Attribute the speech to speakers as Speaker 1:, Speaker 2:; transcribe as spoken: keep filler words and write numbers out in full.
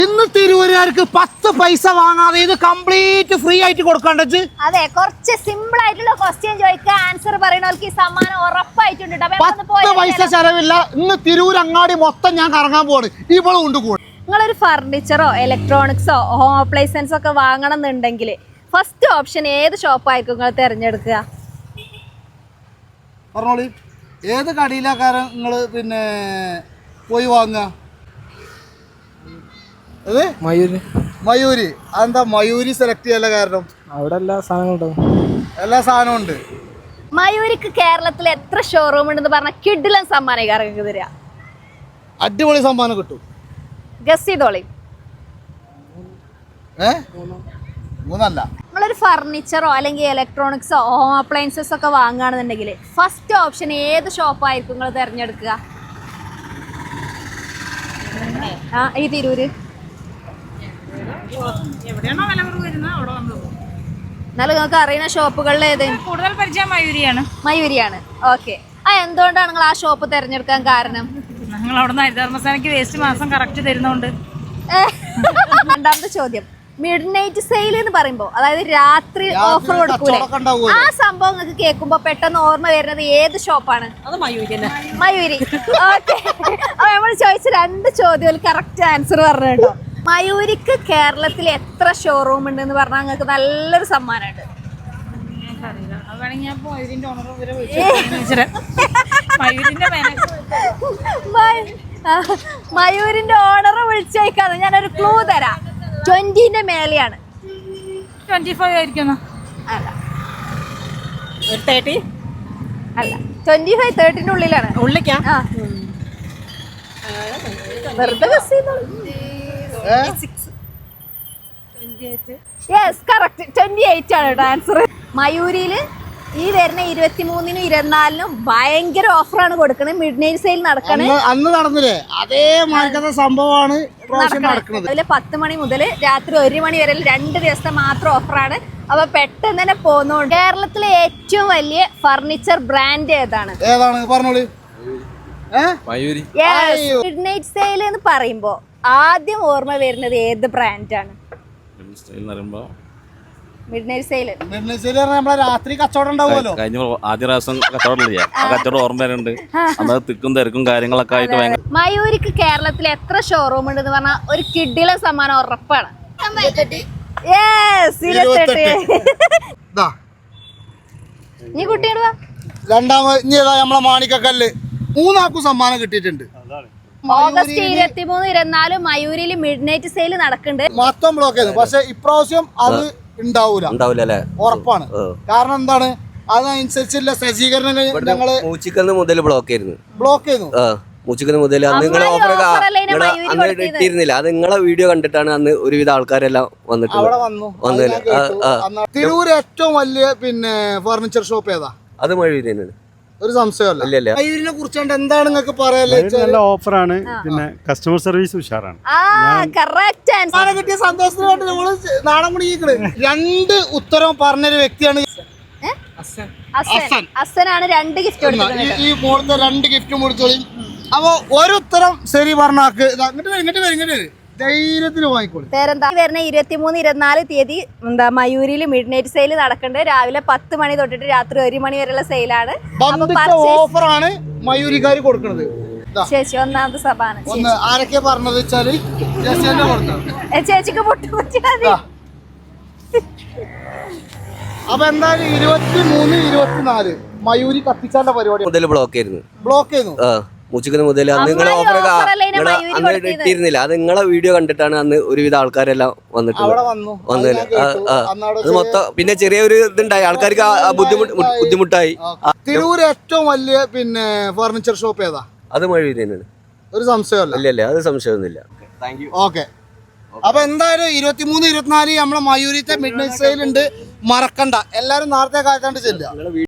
Speaker 1: ഇന്ന് തിരൂരുകാർക്ക് പത്ത് പൈസ വാങ്ങാതെ ഇത് കംപ്ലീറ്റ് ഫ്രീ ആയിട്ട് കൊടുക്കണ്ടത്.
Speaker 2: അതെ, കുറച്ച് സിമ്പിൾ ആയിട്ടുള്ള ക്വസ്റ്റ്യൻ ചോദിക്കുക, ആൻസർ പറയുന്നവർക്ക് ഈ സമ്മാനം ഉറപ്പായിട്ടുണ്ട്.
Speaker 1: പത്ത് പൈസ ചെലവില്ല. ഇന്ന് തിരൂർ അങ്ങാടി മൊത്തം ഞാൻ കറങ്ങാൻ പോവാണ്. ഇവിടെ ഉണ്ട് കൂടെ.
Speaker 2: നിങ്ങളൊരു ഫർണിച്ചറോ ഇലക്ട്രോണിക്സോ ഹോം അപ്ലയൻസൻസോ ഒക്കെ വാങ്ങണം എന്നുണ്ടെങ്കിൽ ഫസ്റ്റ് ഓപ്ഷൻ ഏത് ഷോപ്പായിരിക്കും നിങ്ങൾ തിരഞ്ഞെടുക്കുക?
Speaker 1: പറഞ്ഞോളി, ഏത് കടയിലാക്കാരൻ നിങ്ങൾ പിന്നെ പോയി വാങ്ങുക?
Speaker 3: മയൂര്.
Speaker 1: മയൂരി. അതെന്താ മയൂരി സെലക്ട് ചെയ്യാനുള്ള കാരണം?
Speaker 3: അവിടെ എല്ലാ സാധനവും
Speaker 1: എല്ലാ സാധനവും ഉണ്ട്.
Speaker 2: മയൂരിക്ക് കേരളത്തിൽ എത്ര ഷോറൂം ഉണ്ടെന്ന് പറഞ്ഞാൽ കിഡിലൻ സമ്മാനം ഇറങ്ങി തരിക.
Speaker 1: അടിപൊളി സമ്മാനം കിട്ടും.
Speaker 2: ഗസ് ചെയ്തോളി.
Speaker 1: ഏ മൂന്നല്ല.
Speaker 2: നിങ്ങളൊരു ഫർണിച്ചറോ അല്ലെങ്കിൽ ഇലക്ട്രോണിക്സോ ഹോം അപ്ലയൻസസ് ഒക്കെ വാങ്ങുകയാണെന്നുണ്ടെങ്കിൽ ഫസ്റ്റ് ഓപ്ഷൻ ഏത് ഷോപ്പായിരിക്കും നിങ്ങൾ തിരഞ്ഞെടുക്കുക? ആ ഈ തിരൂര് എന്നാലും നിങ്ങൾക്ക് അറിയുന്ന ഷോപ്പുകളിൽ ഏത്?
Speaker 4: കൂടുതൽ പരിചയം മയൂരിയാണ്.
Speaker 2: മയൂരിയാണ്. ഓക്കെ. ആ എന്തുകൊണ്ടാണ് നിങ്ങൾ ആ ഷോപ്പ് തിരഞ്ഞെടുക്കാൻ കാരണം?
Speaker 4: ഞങ്ങൾ അവിടെ നിന്ന് ഹരിതകർമ്മസേനയ്ക്ക് വേസ്റ്റ് മാസം കറക്റ്റ് തരുന്നോണ്ട്.
Speaker 2: രണ്ടാമത്തെ ചോദ്യം, മിഡ് നൈറ്റ് സെയിൽ എന്ന് പറയുമ്പോ അതായത് രാത്രി ഓഫർ കൊടുക്കൂലേ, ആ സംഭവം നിങ്ങൾക്ക് കേൾക്കുമ്പോ പെട്ടെന്ന് ഓർമ്മ വരുന്നത് ഏത് ഷോപ്പാണ്?
Speaker 4: അത് മയൂരി.
Speaker 2: മയൂരി. ഓക്കെ. അപ്പൊ നമ്മൾ ചോദിച്ച രണ്ട് ചോദ്യം കറക്റ്റ് ആൻസർ പറഞ്ഞു കേട്ടോ. മയൂരിക്ക് കേരളത്തിൽ എത്ര ഷോറൂം ഉണ്ടെന്ന് പറഞ്ഞാൽ നിങ്ങൾക്ക് നല്ലൊരു സമ്മാനമുണ്ട്. മയൂരിന്റെ ഓണറെ വിളിച്ചേക്കാന്ന് ഞാനൊരു ക്ലൂ തരാം. ട്വന്റിന്റെ മേലെയാണ്.
Speaker 4: ട്വന്റി ഫൈവ് ആയിരിക്കും.
Speaker 2: അല്ല
Speaker 4: തേർട്ടി
Speaker 2: അല്ല, ട്വന്റി ഫൈവ് തേർട്ടിന്റെ ഉള്ളിലാണ്.
Speaker 4: ഉള്ളിക്കാ?
Speaker 2: വെറുതെ ഗസ് ചെയ്തോളൂ. Yes, correct. ട്വന്റി എയ്റ്റ് ആണ് കേട്ടോ ആൻസർ. മയൂരിയിൽ ഈ വരുന്ന ഇരുപത്തി മൂന്നിനും ഇരുപത്തിനാലിനും ഭയങ്കര ഓഫറാണ് കൊടുക്കുന്നത്. മിഡ് നൈറ്റ് സെയിൽ നടക്കണേ.
Speaker 1: അന്ന് നടന്നില്ലേ അതേ മാർക്കത്തെ സംഭവമാണ് നടക്കുന്നത്.
Speaker 2: അതില് പത്ത് മണി മുതൽ രാത്രി ഒരു മണി വരെ രണ്ട് ദിവസത്തെ മാത്രം ഓഫറാണ്. അപ്പൊ പെട്ടെന്ന് തന്നെ പോകുന്നുണ്ട്. കേരളത്തിലെ ഏറ്റവും വലിയ ഫർണിച്ചർ ബ്രാൻഡ് ഏതാണ്?
Speaker 1: ഏതാണ് പറഞ്ഞോളൂ.
Speaker 2: മിഡ് നൈറ്റ് സെയിൽ എന്ന് പറയുമ്പോ ആദ്യം ഓർമ്മ വരുന്നത് ഏത് ബ്രാൻഡാണ്? മിഡ് നൈറ്റ് സെയിൽ
Speaker 1: നമ്മളെ രാത്രി കച്ചവടം ഉണ്ടാവുമല്ലോ.
Speaker 5: കഴിഞ്ഞ ആദ്യ പ്രാവശ്യം കച്ചവടം ചെയ്യാം. ആ കച്ചവടം ഓർമ്മ വരുന്നുണ്ട്. അന്നത് തിക്കും തിരക്കും കാര്യങ്ങളൊക്കെ ആയിട്ട് ഭയങ്കര.
Speaker 2: മയൂരിക്ക് കേരളത്തിൽ എത്ര ഷോറൂം ഉണ്ടെന്ന് പറഞ്ഞാൽ ഒരു കിഡിലെ സമ്മാനം ഉറപ്പാണ്. നീ കുട്ടിയോട് വാ.
Speaker 1: രണ്ടാമത് ഇനി നമ്മളെ മാണിക്കക്കല്ല് മൂന്നാക്കും സമ്മാനം കിട്ടിയിട്ടുണ്ട്.
Speaker 2: ഓഗസ്റ്റ് ഇരുപത്തി മൂന്ന് ഇരുപത്തിനാല് മയൂരിൽ മിഡ് നൈറ്റ് സെയിൽ നടക്കുന്നുണ്ട്.
Speaker 1: മൊത്തം ബ്ലോക്ക് ചെയ്തു. പക്ഷെ ഇപ്രാവശ്യം അത് ഉണ്ടാവൂല, ഉറപ്പാണ്. കാരണം എന്താണ്, അതിനനുസരിച്ചുള്ള സജ്ജീകരണങ്ങൾ ഞങ്ങള്
Speaker 6: മൂച്ചിക്കന്ന് മുതൽ ബ്ലോക്ക് ആയിരുന്നു.
Speaker 1: ബ്ലോക്ക് ചെയ്തു.
Speaker 6: മൂച്ചിക്കന്ന് മുതൽ അന്ന് നിങ്ങളെ ഓഫർ അന്ന് ഇട്ടിരുന്നില്ല. അത് നിങ്ങളെ വീഡിയോ കണ്ടിട്ടാണ് അന്ന് ഒരുവിധ ആൾക്കാരെല്ലാം വന്നിട്ട് വന്നില്ല.
Speaker 1: തിരൂര് ഏറ്റവും വലിയ പിന്നെ ഫർണിച്ചർ ഷോപ്പ് ഏതാ?
Speaker 6: അത് മയൂരി തന്നെയാണ്.
Speaker 1: ഒരു സംശയമല്ല. മയൂരിനെ കുറിച്ചുകൊണ്ട് എന്താണ് നിങ്ങൾക്ക് പറയാല്ലേ?
Speaker 7: നല്ല ഓഫറാണ്, പിന്നെ കസ്റ്റമർ സർവീസ് ഉഷാറാണ്.
Speaker 1: കിട്ടിയ സന്തോഷത്തിനായിട്ട് നമ്മള് നാണം കുടിക്കണ്. രണ്ട് ഉത്തരം പറഞ്ഞൊരു വ്യക്തിയാണ്
Speaker 2: അസനാണ്. രണ്ട് ഗിഫ്റ്റ്
Speaker 1: ഈ മോളത്തെ രണ്ട് ഗിഫ്റ്റും കൊടുത്തോളി. അപ്പൊ ഒരു ഉത്തരം ശരി പറഞ്ഞാക്ക് ഇങ്ങോട്ട് വരും ഇങ്ങോട്ട് വരും ഇങ്ങോട്ട് വരും ധൈര്യത്തിന് വാങ്ങിക്കോളൂ.
Speaker 2: പേരെന്താ? വരുന്ന ഇരുപത്തി മൂന്ന് ഇരുപത്തിനാല് തീയതി എന്താ മയൂരിൽ മിഡ് നൈറ്റ് സെയിൽ നടക്കുന്നുണ്ട്. രാവിലെ പത്ത് മണി തൊട്ടിട്ട് രാത്രി ഒരു മണി വരെയുള്ള സെയിലാണ്.
Speaker 1: ഓഫറാണ് മയൂരിക്കാര് കൊടുക്കുന്നത്.
Speaker 2: ചേച്ചി ഒന്നാമത് സഭാണ്.
Speaker 1: ഒന്ന് ആരൊക്കെ പറഞ്ഞത് വെച്ചാല്
Speaker 2: ചേച്ചിക്ക് പൊട്ടുപറ്റി.
Speaker 1: അപ്പൊ എന്തായാലും ഇരുപത്തി മൂന്ന് ഇരുപത്തിനാല് മയൂരി കത്തിച്ചാന്റെ പരിപാടി
Speaker 6: മുതൽ ബ്ലോക്ക് ആയിരുന്നു.
Speaker 1: ബ്ലോക്ക് ചെയ്യുന്നു.
Speaker 6: മൂച്ചിക്കന്ന് മുതൽ അന്ന് നിങ്ങളെ ഓഫർ അന്ന് ഇട്ടിരുന്നില്ല. അത് നിങ്ങളെ വീഡിയോ കണ്ടിട്ടാണ് അന്ന് ഒരുവിധ ആൾക്കാരെല്ലാം വന്നിട്ട് വന്നില്ല. അത് മൊത്തം പിന്നെ ചെറിയൊരു ഇതുണ്ടായി, ആൾക്കാർക്ക് ബുദ്ധിമുട്ട് ബുദ്ധിമുട്ടായി.
Speaker 1: തിരൂര് ഏറ്റവും വലിയ പിന്നെ ഫർണിച്ചർ ഷോപ്പ് ഏതാ?
Speaker 6: അത് മയൂരി തന്നെയാണ്.
Speaker 1: ഒരു സംശയമല്ല.
Speaker 6: ഇല്ല ഇല്ല, അത് സംശയമൊന്നുമില്ല.
Speaker 1: ഓക്കെ. അപ്പൊ എന്തായാലും ഇരുപത്തിമൂന്ന് ഇരുപത്തിനാല് നമ്മളെ മയൂരിത്തെ മിഡ് നൈറ്റ് സെയിൽ ഉണ്ട്. മറക്കണ്ട, എല്ലാരും നേരത്തെ കാലത്താണ്ട് ചെല്ലുക.